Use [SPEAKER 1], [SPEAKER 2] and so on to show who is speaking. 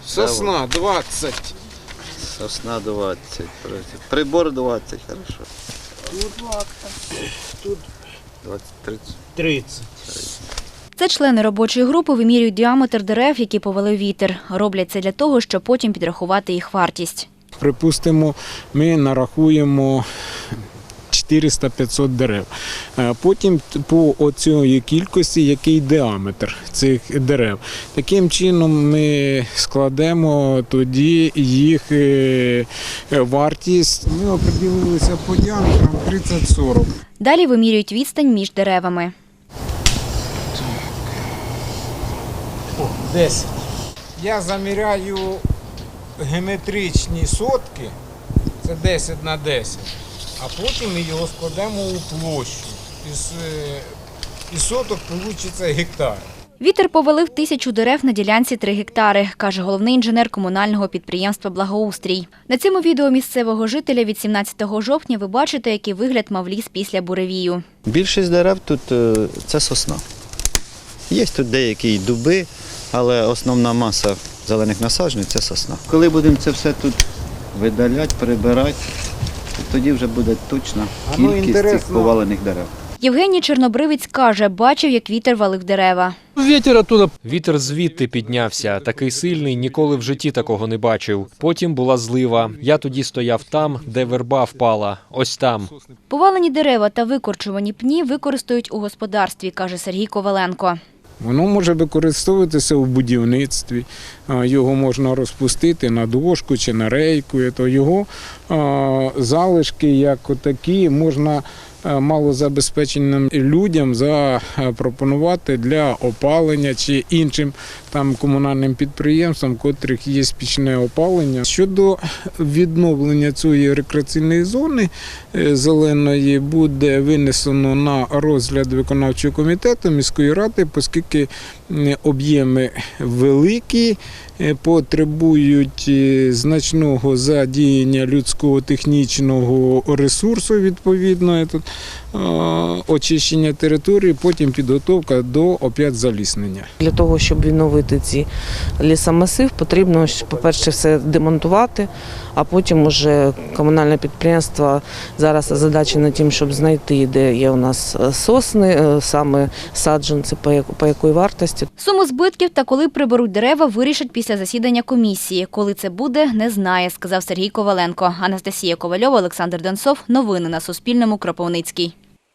[SPEAKER 1] Сосна 20.
[SPEAKER 2] Сосна 20. Прибор 20, хорошо.
[SPEAKER 1] Тут лакта. Тут
[SPEAKER 2] 20-30.
[SPEAKER 1] 30.
[SPEAKER 3] Це члени робочої групи вимірюють діаметр дерев, які повалив вітер. Роблять це для того, щоб потім підрахувати їх вартість.
[SPEAKER 4] Припустимо, ми нарахуємо 400-500 дерев. Потім по оцій кількості, який діаметр цих дерев. Таким чином ми складемо тоді їх вартість. Ми определилися по діаметрам 30-40.
[SPEAKER 3] Далі вимірюють відстань між деревами.
[SPEAKER 4] 10. Я заміряю геометричні сотки, це 10 на 10, а потім ми його складемо у площу. Із соток вийде гектар.
[SPEAKER 3] Вітер повалив 1000 дерев на ділянці 3 гектари, каже головний інженер комунального підприємства «Благоустрій». На цьому відео місцевого жителя від 17 жовтня ви бачите, який вигляд мав ліс після буревію.
[SPEAKER 2] Більшість дерев тут це сосна. Є тут деякі й дуби, але основна маса зелених насаджень – це сосна. Коли будемо це все тут видаляти, прибирати, тоді вже буде точна кількість цих повалених дерев.
[SPEAKER 3] Євгеній Чорнобривець каже, бачив, як вітер валив дерева.
[SPEAKER 5] Вітер звідти піднявся. Такий сильний, ніколи в житті такого не бачив. Потім була злива. Я тоді стояв там, де верба впала. Ось там.
[SPEAKER 3] Повалені дерева та викорчувані пні використають у господарстві, каже Сергій Коваленко.
[SPEAKER 4] Воно може використовуватися у будівництві, його можна розпустити на дошку чи на рейку. То його залишки, як такі, можна малозабезпеченим людям запропонувати для опалення чи іншим комунальним підприємствам, котрих є пічне опалення. Щодо відновлення цієї рекреаційної зони зеленої буде винесено на розгляд виконавчого комітету міської ради, оскільки об'єми великі, потребують значного задіяння людського технічного ресурсу, відповідно, очищення території, потім підготовка до опять заліснення.
[SPEAKER 6] Для того, щоб відновити ці лісомасив, потрібно, по-перше, все демонтувати, а потім уже комунальне підприємство зараз озадачено тим, щоб знайти, де є у нас сосни, саме саджанці, по якої вартості.
[SPEAKER 3] Суму збитків та коли приберуть дерева, вирішать після засідання комісії. Коли це буде, не знає, сказав Сергій Коваленко. Анастасія Ковальова, Олександр Донцов. Новини на Суспільному. Кропивницький.